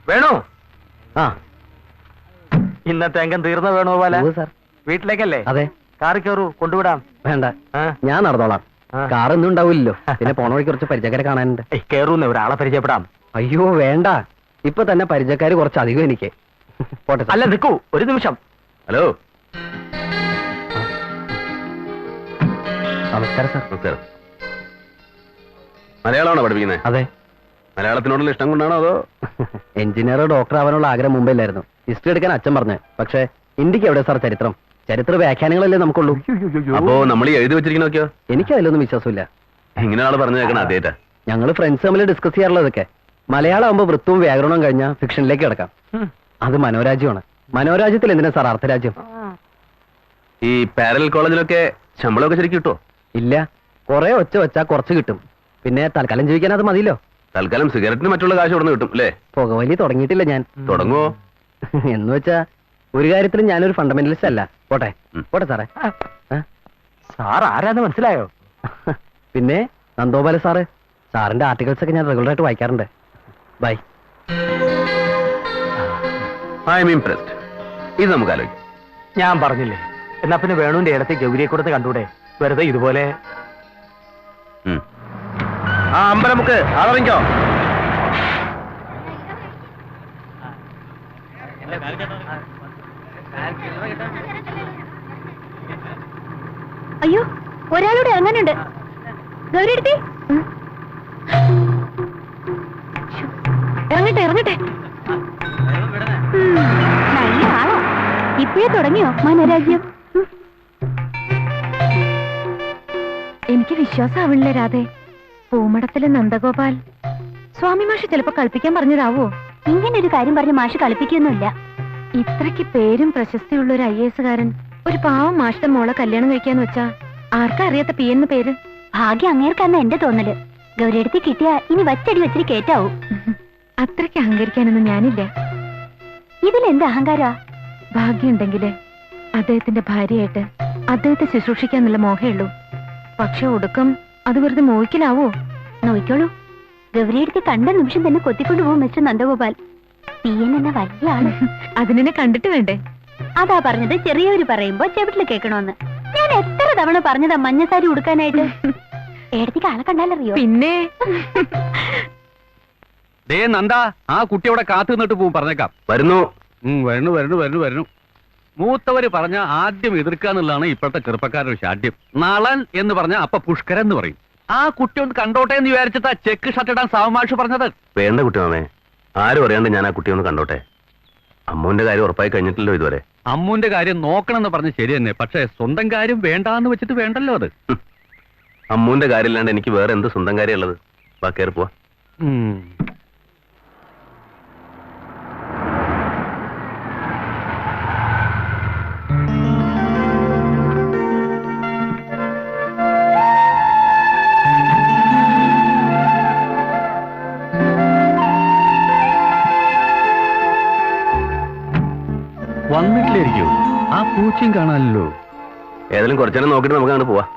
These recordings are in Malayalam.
വേണോ? ആ, ഇന്നത്തെ അംഗം തീർന്ന വേണോ പോലെ സാർ? വീട്ടിലേക്കല്ലേ? അതെ. കാറി കയറൂ, കൊണ്ടുവിടാം. വേണ്ട, ഞാൻ നടന്നോളാം. കാർ ഒന്നും ഉണ്ടാവില്ലല്ലോ. പിന്നെ പോണ വഴി കുറച്ച് പരിചയക്കാരെ കാണാനുണ്ട്. കയറൂന്ന് ഒരാളെ പരിചയപ്പെടാം. അയ്യോ വേണ്ട, ഇപ്പൊ തന്നെ പരിചയക്കാര് കുറച്ചധികം എനിക്ക്. പോട്ടെ. അല്ല നിൽക്കൂ ഒരു നിമിഷം. ഹലോ, നമസ്കാരം സാർ. നമസ്കാരം. മലയാളമാണോ പഠിപ്പിക്കുന്നത്? അതെ. മലയാളത്തിനോടുള്ള ഇഷ്ടം കൊണ്ടാണോ അതോ? എഞ്ചിനീയർ ഡോക്ടർ ആവാനുള്ള ആഗ്രഹം മുമ്പില്ലായിരുന്നു. ഹിസ്റ്ററി എടുക്കാൻ അച്ഛൻ പറഞ്ഞു. പക്ഷെ ഇന്ത്യക്ക് എവിടെ സാർ ചരിത്രം? ചരിത്ര വ്യാഖ്യാനങ്ങളല്ലേ നമുക്കുള്ളൂ. അപ്പോ നമ്മൾ എഴുതി വെച്ചിരിക്കുന്നൊക്കെയോ? എനിക്ക് അതിലൊന്നും വിശ്വാസമില്ല. ഇങ്ങനെ ആള് പറഞ്ഞു കേൾക്കണം ആദ്യമായിട്ടാ. ഞങ്ങൾ ഫ്രണ്ട്സ് തമ്മിൽ ഡിസ്കസ് ചെയ്യാറുള്ളതൊക്കെ. മലയാളം ആകുമ്പോ വൃത്തവും വ്യാകരണവും കഴിഞ്ഞാൽ ഫിക്ഷനിലേക്ക് കിടക്കാം. അത് മനോരാജ്യമാണ്. മനോരാജ്യത്തിൽ എന്തിനാ സാർ അർത്ഥരാജ്യം? ഈ പാരലൽ കോളേജിലൊക്കെ ശമ്പളമൊക്കെ ശരിക്കും കിട്ടോ? ഇല്ല, കുറെ ഒച്ച വെച്ചാ കുറച്ച് കിട്ടും. പിന്നെ തൽക്കാലം ജീവിക്കാൻ അത് മതിയല്ലോ. തൽക്കാലം സിഗരറ്റിന് മറ്റുള്ള കാശ് ഇവിടെ കിട്ടും അല്ലേ? പുകവലി തുടങ്ങിയിട്ടില്ല ഞാൻ. തുടങ്ങുവോ? എന്ന് വെച്ചാ ഒരു കാര്യത്തിലും ഞാനൊരു ഫണ്ടമെന്റലിസ്റ്റ് അല്ല. പോട്ടെ പോട്ടെ സാറേ. സാർ ആരാന്ന് മനസ്സിലായോ? പിന്നെ നന്ദോപാല സാറ്. സാറിന്റെ ആർട്ടിക്കിൾസ് ഒക്കെ ഞാൻ റെഗുലർ ആയിട്ട് വായിക്കാറുണ്ട്. ബൈ. I am impressed. ഇത് നമുക്ക് ആലോചിക്കാം. ഞാൻ പറഞ്ഞില്ലേ, എന്നാ പിന്നെ വേണുവിന്റെ ഇടത്തെ ഗൗരിയെ കൊടുത്ത് കണ്ടൂടെ? വെറുതെ ഇതുപോലെ. ആ അമ്പലമുക്ക് ആളറിഞ്ഞോ? അയ്യോ, ഒരാളോട് ഇറങ്ങാനുണ്ട്. ഗൗരി എടുത്തി ഇറങ്ങട്ടെ ഇറങ്ങട്ടെ. നല്ല ആളാ. ഇപ്പോഴേ തുടങ്ങിയോ മനോരാജ്യം? എനിക്ക് വിശ്വാസമാവില്ല രാധേ. പൂമടത്തിലെ നന്ദഗോപാൽ സ്വാമി മാഷ് ചിലപ്പോ കളിപ്പിക്കാൻ പറഞ്ഞതാവോ? ഇങ്ങനെ ഒരു കാര്യം പറഞ്ഞ് മാഷ് കളിപ്പിക്കൊന്നുമില്ല. ഇത്രയ്ക്ക് പേരും പ്രശസ്തിയുള്ള ഒരു IAS കാരൻ ഒരു പാവം മാഷിന്റെ മോളെ കല്യാണം കഴിക്കാന്ന് വെച്ചാ ആർക്കാ അറിയാത്ത പി എന്ന് പേര്? ഭാഗ്യം അങ്ങേർക്കാന്ന എന്റെ തോന്നല്. ഗൗരിയെടുത്ത് കിട്ടിയാ ഇനി വച്ചടി വെച്ചിട്ട് കേറ്റാവൂ. അത്രയ്ക്ക് അഹങ്കരിക്കാനൊന്നും ഞാനില്ല. ഇതിലെന്ത് അഹങ്കാരാ? ഭാഗ്യമുണ്ടെങ്കില് അദ്ദേഹത്തിന്റെ ഭാര്യയായിട്ട് അദ്ദേഹത്തെ ശുശ്രൂഷിക്കാന്നുള്ള മോഹേ ഉള്ളൂ. പക്ഷെ ഒടുക്കം അത് വെറുതെ മോഹിക്കലാവോ? നോയിക്കോളൂ, ഗൗരിയെടുത്ത് കണ്ട നിമിഷം തന്നെ കൊത്തിക്കൊണ്ടുപോകും മിസ്റ്റർ നന്ദഗോപാൽ. PN എന്ന വലിയ ആള്. അതിനെ കണ്ടിട്ട് വേണ്ടേ? അതാ പറഞ്ഞത്, ചെറിയവര് പറയുമ്പോ ചെവിട്ടില് കേൾക്കണോന്ന്. ഞാൻ എത്ര തവണ പറഞ്ഞതാ മഞ്ഞസാരി ഉടുക്കാനായിട്ട്. ഏടത്തേക്ക് ആളെ കണ്ടാലറിയോ? പിന്നെ നന്ദ, ആ കുട്ടി അവിടെ കാത്തു നിന്നിട്ട് പോവും. പറഞ്ഞേക്കാം. വരുന്നു വരുന്നു വരുന്നു വരുന്നു വരുന്നു. മൂത്തവര് പറഞ്ഞ ആദ്യം എതിർക്കാന്നുള്ളതാണ് ഇപ്പോഴത്തെ ചെറുപ്പക്കാരുടെ ഷാഠ്യം. നളൻ എന്ന് പറഞ്ഞ അപ്പൊ പുഷ്കരൻ എന്ന് പറയും. ആ കുട്ടി ഒന്ന് കണ്ടോട്ടെ എന്ന് വിചാരിച്ചിട്ടാ ചെക്ക് ഷർട്ട് ഇടാൻ സാവമാഷ് പറഞ്ഞത്. വേണ്ട കുട്ടി മാമേ, ആരും അറിയാണ്ട് ഞാൻ ആ കുട്ടി ഒന്ന് കണ്ടോട്ടെ. അമ്മുവിന്റെ കാര്യം ഉറപ്പായി കഴിഞ്ഞിട്ടില്ലല്ലോ ഇതുവരെ. അമ്മുവിന്റെ കാര്യം നോക്കണമെന്ന് പറഞ്ഞ് ശരി തന്നെ. പക്ഷെ സ്വന്തം കാര്യം വേണ്ടാന്ന് വെച്ചിട്ട് വേണ്ടല്ലോ അത്. അമ്മുവിന്റെ കാര്യം ഇല്ലാണ്ട് എനിക്ക് വേറെ എന്ത് സ്വന്തം കാര്യം ഉള്ളത്? വാ, കയറി പോവാ. വന്നിട്ടില്ലായിരിക്കോ? ആ പൂച്ചയും കാണാനല്ലോ. ഏതായാലും കുറച്ചേരം നോക്കിട്ട് നമുക്ക് അങ്ങോട്ട് പോവാ.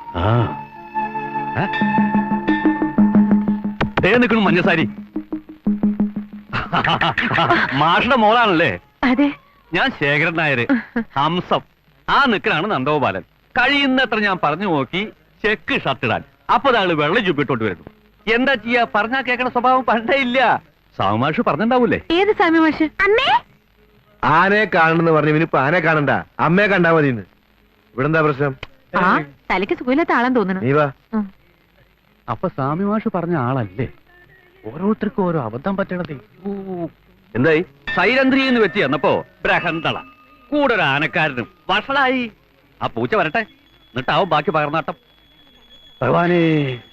നിൽക്കണു മഞ്ഞസാരി. മാഷുടെ മോളാണല്ലേ? അതെ. ഞാൻ ശേഖരൻ നായര്. ഹംസം. ആ നിൽക്കലാണ് നന്ദഗോപാലൻ. കഴിയുന്നത്ര ഞാൻ പറഞ്ഞു നോക്കി ചെക്ക് ഷർട്ട് ഇടാൻ. അപ്പൊ ആള് വെള്ളം ചുപ്പിട്ടോട്ട് വരുന്നു. എന്താ ചെയ്യാ? പറഞ്ഞാ കേൾക്കണ സ്വഭാവം പണ്ടേ ഇല്ല. സാമാഷ് പറഞ്ഞിണ്ടാവൂലേ? ഏത് സാമി മാഷ്? അമ്മേ, ആനയെ കാണണെന്ന് പറഞ്ഞു. ഇനിയിപ്പോ ആനയെ കാണണ്ട, അമ്മയെ കണ്ടാ മതി. ഇവിടെ എന്താ പ്രശ്നം? തലയ്ക്ക് സുഖമില്ലാത്ത ആളാൻ തോന്നുന്നു. നീ വാ. അപ്പൊ സ്വാമി മാഷ് പറഞ്ഞ ആളല്ലേ? ഓരോരുത്തർക്കും ഓരോ അബദ്ധം പറ്റണതേ. എന്തായി? സൈരന്ധ്രി എന്ന് വെച്ച് ചെന്നപ്പോ ബ്രഹന്തള കൂടെ ഒരു ആനക്കാരനും വഷളായി. ആ പൂച്ച വരട്ടെ, എന്നിട്ടാവും ബാക്കി പകർന്നാട്ടം. ഭഗവാനേ.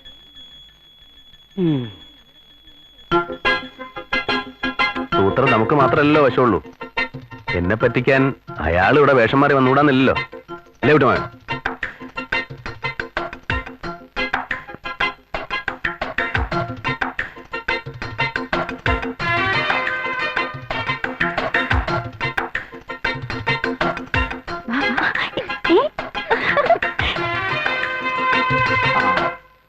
സൂത്രം നമുക്ക് മാത്രമല്ലല്ലോ വശമുള്ളൂ. എന്നെ പറ്റിക്കാൻ അയാൾ ഇവിടെ വേഷം മാറി വന്നുകൂടാന്നില്ലല്ലോ അല്ലേ വിട്ടുമാ?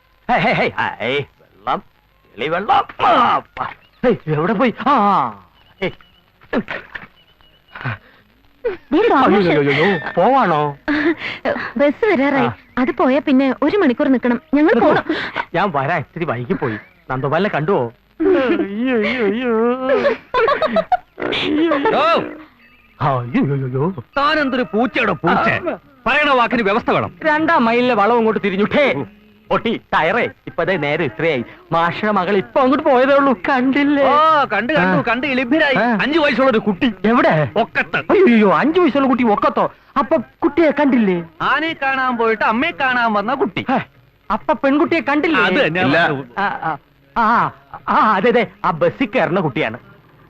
വെള്ളം വെള്ളം എവിടെ പോയി? ദേ തോമസ്. പോവാണോ? ബസ് വരാറായി. അത് പോയാ പിന്നെ 1 മണിക്കൂർ നിക്കണം. ഞങ്ങൾ പോണം. ഞാൻ വരാൻ ഇത്തിരി വൈകി പോയി. നന്ദോപാലിനെ കണ്ടുവോ? താനെന്തൊരു പൂച്ചയുടെ പൂച്ച. പറയണ വാക്കിന് വ്യവസ്ഥ വേണം. 2 മൈലിലെ വളം അങ്ങോട്ട് തിരിഞ്ഞുട്ടേ ഒട്ടി ടയറേ. ഇപ്പതേ നേരെ ഇത്രയായി. മാഷയുടെ മകൾ ഇപ്പൊ അങ്ങോട്ട് പോയതേ ഉള്ളൂ. കണ്ടില്ലേ? ഓ കണ്ടു ഇളിഭരായി. 5 വയസ്സുള്ള ഒരു കുട്ടി എവിടെ? ഒക്കത്ത്. അയ്യോ 5 വയസ്സുള്ള കുട്ടി ഒക്കത്തോ? അപ്പൊ കുട്ടിയെ കണ്ടില്ലേ? ആനയെ കാണാൻ പോയിട്ട് അമ്മയെ കാണാൻ വന്ന കുട്ടി. അപ്പൊ പെൺകുട്ടിയെ കണ്ടില്ലേ? അത് തന്നെ. ഇല്ല. അതെ അതെ, ആ ബസ്സിൽ കയറുന്ന കുട്ടിയാണ്.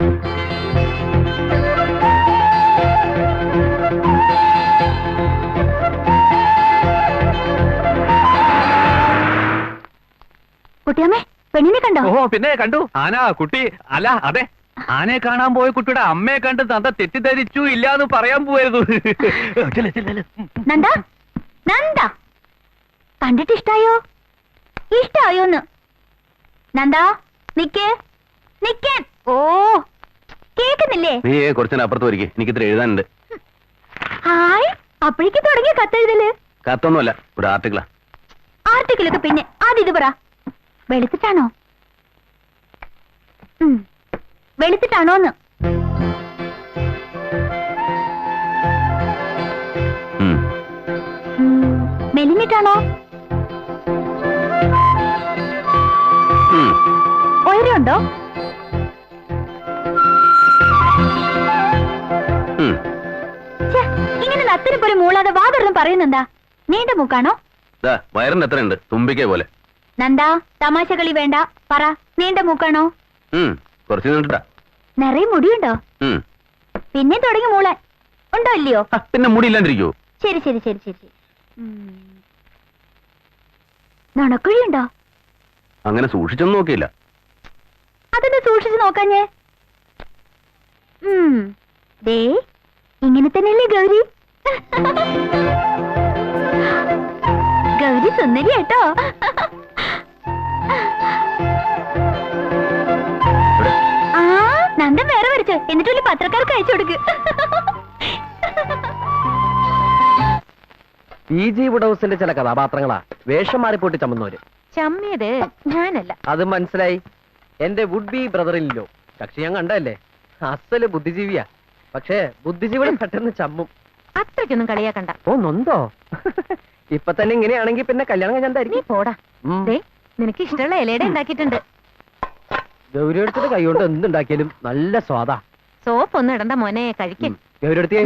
കുട്ടിയമ്മേ, പെണ്ണിനെ കണ്ടോ? ഓ പിന്നെ കണ്ടു. ആന കുട്ടി അല്ല അതെ, ആനയെ കാണാൻ പോയ കുട്ടിയുടെ അമ്മയെ കണ്ട് നന്ദ തെറ്റിദ്ധരിച്ചു ഇല്ലാന്ന് പറയാൻ പോയിരുന്നു. നന്ദ, നന്ദ, കണ്ടിട്ട് ഇഷ്ടായോ? ഇഷ്ടായോന്ന്? നന്ദ, നിക്കേ, നിക്കാൻ. ഓ, കേക്കുന്നില്ലേ? നീ കുറച്ചു അപ്പുറത്ത് വരിക, എനിക്ക് ഇത്ര എഴുതാനുണ്ട്. ഹായ്, അപ്പോഴേക്ക് തുടങ്ങിയ കത്തെഴുതല്? കത്തൊന്നുമല്ല, ഒരു ആർട്ടിക്കിളാ. ആർട്ടിക്കിളൊക്കെ പിന്നെ ആദ്യം ഇത് പറ. വെളുത്തിട്ടാണോ? വെളുത്തിട്ടാണോന്ന്? മെലിഞ്ഞിട്ടാണോ? ഉയരമുണ്ടോ? ഇങ്ങനെ നത്തിന് പോലെ മൂളാതെ വാതൊന്നും പറയുന്നെന്താ? നീണ്ട മൂക്കാണോ? വയറിന് എത്രയുണ്ട്? തുമ്പിക്കേ പോലെ. നന്ദാ, തമാശ കളി വേണ്ട. പറ, നീണ്ട മൂക്കാണോ? കുറച്ച് നീണ്ടിട്ടാ. നിറയെ മുടിയുണ്ടോ? പിന്നെ തുടങ്ങി മൂളാൻ. ഉണ്ടോ ഇല്ലയോ? പിന്നെ മുടിയില്ലാണ്ടിരിക്കോ? ശരി ശരി ശരി ശരി ശരി. നുണക്കുഴിയുണ്ടോ? അങ്ങനെ സൂക്ഷിച്ചൊന്നും നോക്കിയില്ല. അതൊന്ന് സൂക്ഷിച്ചു നോക്കാഞ്ഞേ. ദേ, ഇങ്ങനെ തന്നെയല്ലേ ഗൗരി? ഗൗരി സുന്ദരി കേട്ടോ. ആ, നന്ദൻ വേറെ വരച്ചു. എന്നിട്ട് വലിയ പത്രക്കാർക്ക് അയച്ചു കൊടുക്ക്. PG വുഡൌസിന്റെ ചില കഥാപാത്രങ്ങളാ വേഷം മാറിപ്പോട്ട് ചമ്മുന്നവര്. ചമ്മിയത് ഞാനല്ല. അത് മനസ്സിലായി. എന്റെ വുഡ് ബി ബ്രദറിലോ കക്ഷി ഞാൻ കണ്ടല്ലേ, അസല് ബുദ്ധിജീവിയാ. പക്ഷേ ബുദ്ധിജീവികൾ പെട്ടെന്ന് ചമ്മും. അത്രയ്ക്കൊന്നും കളിയാക്കണ്ട. ഓ നൊന്തോ? ഇപ്പൊ തന്നെ ഇങ്ങനെയാണെങ്കിൽ പിന്നെ കല്യാണം നീ കഴിഞ്ഞാൽ പോടാ. ദേ, നിനക്ക് ഇഷ്ടമുള്ള ഇലയുടെ ഉണ്ടാക്കിയിട്ടുണ്ട്. ഗൗരി എടുത്തിട്ട് കൈകൊണ്ട് എന്തുണ്ടാക്കിയാലും നല്ല സ്വാദാ. സോപ്പ് ഒന്നും ഇടണ്ട മോനെ, കഴിക്കും. ഗൗരി എടുത്തേ.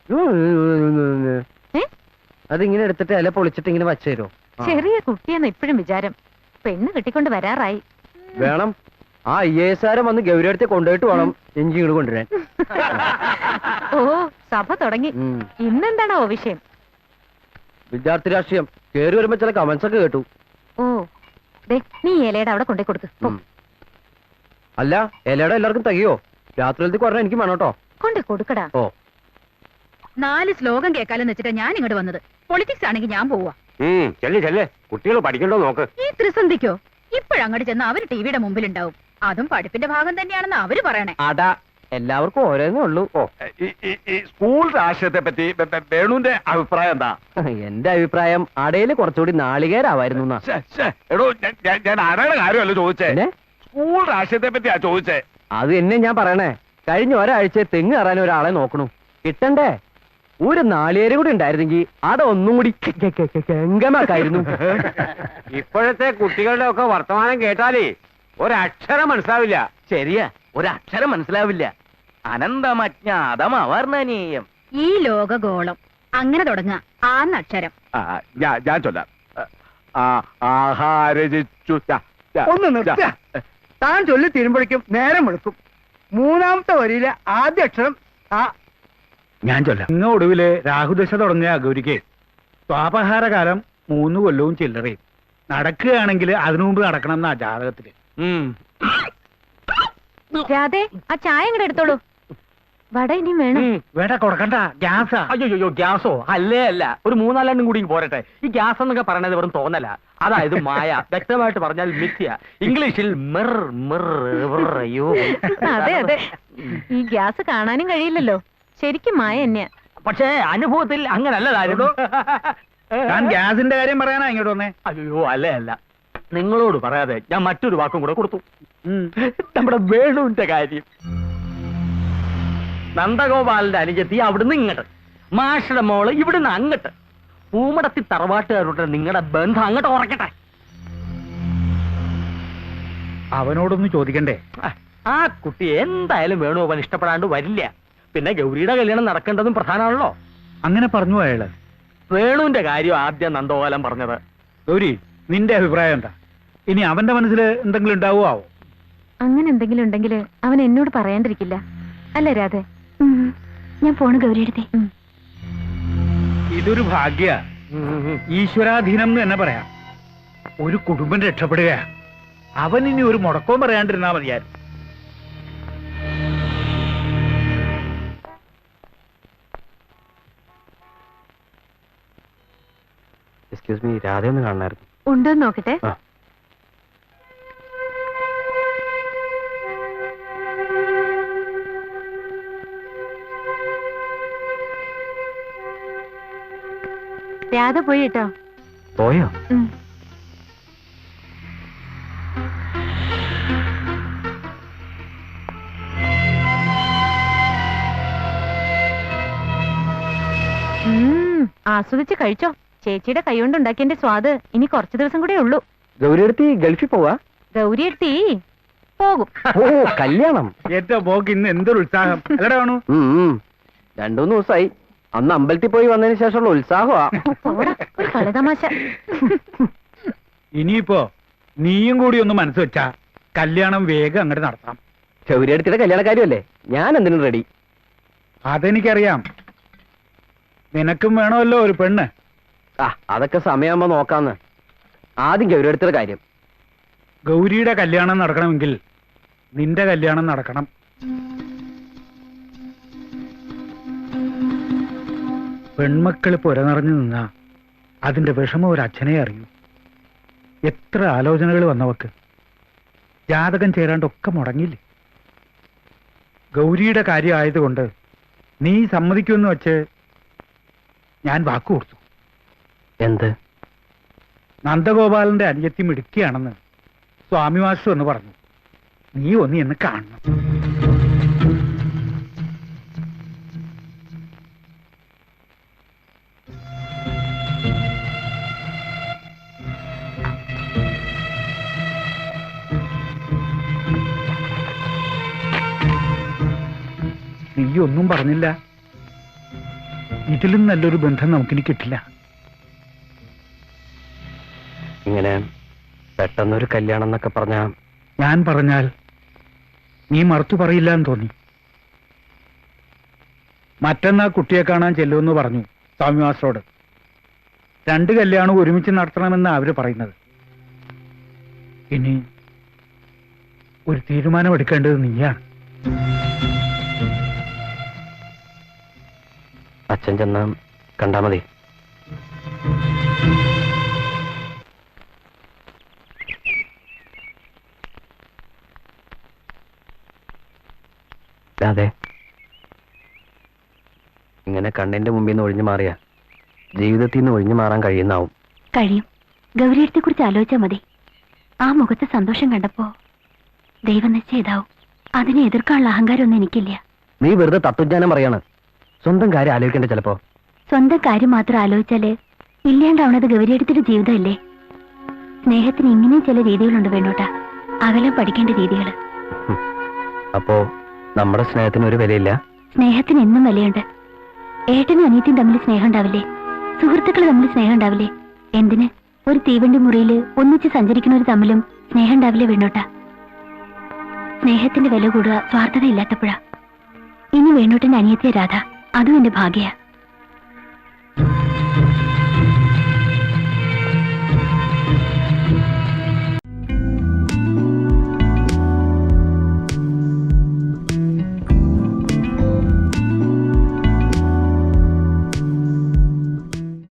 അതിങ്ങനെ എടുത്തിട്ട് ഇല പൊളിച്ചിട്ട് ഇങ്ങനെ വച്ചു തരുമോ? ചെറിയ കുട്ടിയെന്ന് ഇപ്പോഴും വിചാരം. പെണ്ണ് കിട്ടിക്കൊണ്ട് വരാറായി. വേണം. ആ IAS വന്ന് ഗൗരി അടുത്ത് കൊണ്ടുപോയിട്ട് വേണം എഞ്ചിങ്ങൾ കൊണ്ടുവരാൻ. ഓ, സഭ തുടങ്ങി. ഇന്നെന്താണോ വിഷയം? വിദ്യാർത്ഥി രാഷ്ട്രീയം. കേറി വരുമ്പോ ചില കമന്റ്സ് ഒക്കെ കേട്ടു. ഓ, ദേ, നീ ഇലയുടെ അവിടെ കൊണ്ടേ കൊടുക്ക്. അല്ല, ഇലയുടെ എല്ലാവർക്കും തികയോ? രാത്രിയിലത്തേക്ക് പറഞ്ഞാൽ എനിക്ക് വേണം കേട്ടോ. കൊണ്ടേ കൊടുക്കടാ. ഓ, 4 ശ്ലോകം കേൾക്കാലെന്ന് വെച്ചിട്ടാ ഞാൻ ഇങ്ങോട്ട് വന്നത്. പൊളിറ്റിക്സ് ആണെങ്കിൽ ഞാൻ പോവാ. ചെല്ലേ കുട്ടികൾ പഠിക്കണ്ടോ നോക്ക്. ഈ ത്രിസന്ധിക്കോ? ഇപ്പോഴങ്ങോട്ട് ചെന്ന് അവര് ടിവിയുടെ മുമ്പിലുണ്ടാവും. അതും പഠിപ്പിന്റെ ഭാഗം തന്നെയാണെന്ന് അവര് പറയണേ. അടാ, എല്ലാവർക്കും ഓരോന്നേ ഉള്ളൂ. ഓ, സ്കൂൾ രാഷ്ട്രീയത്തെ പറ്റി വേണുവിന്റെ അഭിപ്രായം എന്താ? എന്റെ അഭിപ്രായം അടയില് കുറച്ചുകൂടി നാളികേരാവായിരുന്നു. എടോ, ഞാൻ ആരാണ് കാര്യമല്ല ചോദിച്ചേ. പിന്നെ സ്കൂൾ രാഷ്ട്രീയത്തെ പറ്റിയാ ചോദിച്ചേ. അത് എന്നെ ഞാൻ പറയണേ. കഴിഞ്ഞ ഒരാഴ്ച തെങ്ങ് കയറാൻ ഒരാളെ നോക്കണു. കിട്ടണ്ടേ? ഒരു നാളികേര് കൂടി ഉണ്ടായിരുന്നെങ്കിൽ അതൊന്നും കൂടി ഗംഗമാക്കായിരുന്നു. ഇപ്പോഴത്തെ കുട്ടികളുടെ ഒക്കെ വർത്തമാനം കേട്ടാലേ ഒരക്ഷരം മനസ്സിലാവില്ല. ശരിയാ, ഒരക്ഷരം മനസ്സിലാവില്ല. അനന്തമജ്ഞാതമവർണ്ണനീയം. ഈ ലോകഗോളം അങ്ങനെ തുടങ്ങ ആന്നക്ഷരം. ഞാൻ ചൊല്ലാം. ആഹാരജിച്ചു. ഒന്ന് നിർത്ത. താൻ ചൊല്ലി തീരുമ്പോഴേക്കും നേരം വെളുക്കും. 3ാമത്തെ വരിയിലെ ആദ്യ അക്ഷരം ആ. ഞാൻ ചൊല്ലാം. ഇന്ന് ഒടുവില് രാഹുദശ തുടങ്ങിയ ഗൗരിക്ക് സ്വാപഹാരകാലം 3 കൊല്ലവും ചില്ലറയും. നടക്കുകയാണെങ്കിൽ അതിനു മുമ്പ് നടക്കണം എന്നാ ജാതകത്തില്. രാധേ, ആ ചായ ഇങ്ങോട്ട് എടുത്തോളൂ. വട ഇനിയും വേണം. വേണ്ട, കൊടുക്കണ്ട. ഗ്യാസാ. അയ്യോ ഗ്യാസോ? അല്ലേ അല്ല, ഒരു 3-4 കൂടി പോരട്ടെ. ഈ ഗ്യാസ് എന്നൊക്കെ പറയണത് വെറും തോന്നല. അതായത് മായ. വ്യക്തമായിട്ട് പറഞ്ഞാൽ മിഥ്യ. ഇംഗ്ലീഷിൽ അയ്യോ. അതെ അതെ, ഈ ഗ്യാസ് കാണാനും കഴിയില്ലല്ലോ. ശരിക്കും മായ തന്നെയാ. പക്ഷേ അനുഭവത്തിൽ അങ്ങനല്ല കാര്യം. ഞാൻ ഗ്യാസിന്റെ കാര്യം പറയാനാ ഇങ്ങോട്ട് വന്നേ. അയ്യോ അല്ല നിങ്ങളോട് പറയാതെ ഞാൻ മറ്റൊരു വാക്കും കൂടെ കൊടുത്തു. നമ്മുടെ വേണുവിന്റെ കാര്യം. നന്ദഗോപാലിന്റെ അനുജത്തി അവിടുന്ന് ഇങ്ങോട്ട്, മാഷയുടെ മോള് ഇവിടുന്ന് അങ്ങോട്ട്. പൂമടത്തി തറവാട്ടുകാരുടെ നിങ്ങളുടെ ബന്ധം അങ്ങോട്ട് ഉറക്കട്ടെ. അവനോടൊന്ന് ചോദിക്കണ്ടേ? ആ കുട്ടി എന്തായാലും വേണുഗോപാൽ ഇഷ്ടപ്പെടാണ്ട് വരില്ല. പിന്നെ ഗൗരിയുടെ കല്യാണം നടക്കേണ്ടതും പ്രധാനമാണല്ലോ. അങ്ങനെ പറഞ്ഞു അയാള്. വേണുവിന്റെ കാര്യം ആദ്യം നന്ദഗോപാലൻ പറഞ്ഞത്. ഗൗരി, നിന്റെ അഭിപ്രായം എന്താ? ഇനി അവന്റെ മനസ്സിൽ എന്തെങ്കിലും ഉണ്ടാവോ? അങ്ങനെ എന്തെങ്കിലും ഉണ്ടെങ്കിൽ അവൻ എന്നോട് പറയാണ്ടിരിക്കില്ല. അല്ലേ രാധേ? ഞാൻ പോണു ഗൗരിയെടുത്തേ. ഇതൊരു ഭാഗ്യ, ഈശ്വരാധീനം എന്ന് തന്നെ പറയാം. ഒരു കുടുംബം രക്ഷപ്പെടുക. അവൻ ഇനി ഒരു മുടക്കവും പറയാണ്ടിരുന്നാ മതിയായിരുന്നു. എക്സ്ക്യൂസ് മീ, രാധ ഒന്ന് കാണണമായിരുന്നു. ഉണ്ടോന്ന് നോക്കട്ടെ. ആ. രാധ പോയി കേട്ടോ. പോയോ? ആസ്വദിച്ച് കഴിച്ചോ. ചേച്ചിയുടെ കൈകൊണ്ട് ഉണ്ടാക്കിയതിന്റെ സ്വാദ് ഇനി കുറച്ചു ദിവസം കൂടെ ഉള്ളൂ. ഗൗരി എടുത്തി ഗൾഫിൽ പോവാ? ഗൗരി എടുത്തി പോകും. ഓ, കല്യാണം. ഏറ്റവും പോക്ക് ഇന്ന് എന്തൊരു ഉത്സാഹം അല്ലടാ വേണു. 2-3 ദിവസമായി. അന്ന് അമ്പലത്തിൽ പോയി വന്നതിന് ശേഷമുള്ള ഉത്സാഹമാ. പോടാ, ഒരു കളിതമാശ. ഇനിയിപ്പോ നീയും കൂടി ഒന്ന് മനസ്സ് വെച്ചാ കല്യാണം വേഗം അങ്ങോട്ട് നടത്താം. ഗൗരി എടുത്തിയുടെ കല്യാണക്കാരിയല്ലേ, ഞാൻ എന്തിനും റെഡി. അതെനിക്കറിയാം. നിനക്കും വേണമല്ലോ ഒരു പെണ്ണ്. അതൊക്കെ സമയമാകുമ്പോ നോക്കാന്ന്. ആദ്യം ഗൗരി എടുത്തിയുടെ കാര്യം. ഗൗരിയുടെ കല്യാണം നടക്കണമെങ്കിൽ നിന്റെ കല്യാണം നടക്കണം. പെൺമക്കൾ പുരനിറഞ്ഞു നിന്നാ അതിന്റെ വിഷമം ഒരു അച്ഛനെ അറിയൂ. എത്ര ആലോചനകൾ വന്നവക്ക്. ജാതകം ചേരാണ്ടൊക്കെ മുടങ്ങിയില്ലേ. ഗൗരിയുടെ കാര്യം ആയതുകൊണ്ട് നീ സമ്മതിക്കുമെന്ന് വെച്ച് ഞാൻ വാക്കു കൊടുത്തു. എന്ത്? നന്ദഗോപാലന്റെ അനുജത്തി മിടുക്കിയാണെന്ന് സ്വാമി മാസ്റ്റർ എന്ന് പറഞ്ഞു. നീ ഒന്ന് എന്ന് കാണണം. നീ ഒന്നും പറഞ്ഞില്ല. ഇതിലും നല്ലൊരു ബന്ധം നമുക്കിനി കിട്ടില്ല. ഇങ്ങനെ പെട്ടെന്നൊരു കല്യാണം എന്നൊക്കെ പറഞ്ഞാ ഞാൻ പറഞ്ഞാൽ നീ മറുത്തു പറയില്ല എന്ന് തോന്നി. മറ്റന്നാ കുട്ടിയെ കാണാൻ ചെല്ലുമെന്ന് പറഞ്ഞു സ്വാമി മാസ്റ്ററോട്. 2 കല്യാണം ഒരുമിച്ച് നടത്തണമെന്ന് അവര് പറയുന്നത്. ഇനി ഒരു തീരുമാനമെടുക്കേണ്ടത് നീയാണ്. അച്ഛൻ ചെന്ന് കണ്ടാ മതി. അതെ, ഇങ്ങനെ കണ്ണിന്റെ മുമ്പിൽ നിന്ന് ഒഴിഞ്ഞു മാറിയ ജീവിതത്തിൽ നിന്ന് ഒഴിഞ്ഞു മാറാൻ കഴിയുന്നാവും. കഴിയും. ഗൗരിയത്തെ കുറിച്ച് ആലോചിച്ചാൽ മതി. ആ മുഖത്തെ സന്തോഷം കണ്ടപ്പോ ദൈവനിശ്ചയിതാവും. അതിനെ എതിർക്കാനുള്ള അഹങ്കാരമൊന്നും എനിക്കില്ല. നീ വെറുതെ തത്വജ്ഞാനം പറയാണ്. സ്വന്തം കാര്യം ആലോചിക്കണ്ടേ? ചിലപ്പോ സ്വന്തം കാര്യം മാത്രം ആലോചിച്ചാല് ഇല്ലാണ്ടാവണത് ഗൗരിയത്തിന്റെ ജീവിതമല്ലേ. സ്നേഹത്തിന് ഇങ്ങനെയും ചില രീതികളുണ്ട് വേണോട്ടാ. അകലം പഠിക്കേണ്ട രീതികൾ. അപ്പോ നമ്മുടെ സ്നേഹത്തിന് ഒരു വിലയില്ല? സ്നേഹത്തിന് എന്നും വിലയുണ്ട്. ഏട്ടനും അനിയത്തിയും തമ്മിൽ സ്നേഹം ഉണ്ടാവില്ലേ? സുഹൃത്തുക്കൾ തമ്മിൽ സ്നേഹം ഉണ്ടാവില്ലേ? എന്തിന് ഒരു തീവണ്ടി മുറിയിൽ ഒന്നിച്ച് സഞ്ചരിക്കുന്നവർ തമ്മിലും സ്നേഹം ഉണ്ടാവില്ലേ വേണോട്ടാ? സ്നേഹത്തിന്റെ വില കൂടുക സ്വാർത്ഥത ഇല്ലാത്തപ്പോഴാ. ഇനി വേണോട്ടന്റെ അനിയത്തിയ രാധ, അതും എന്റെ ഭാഗ്യ.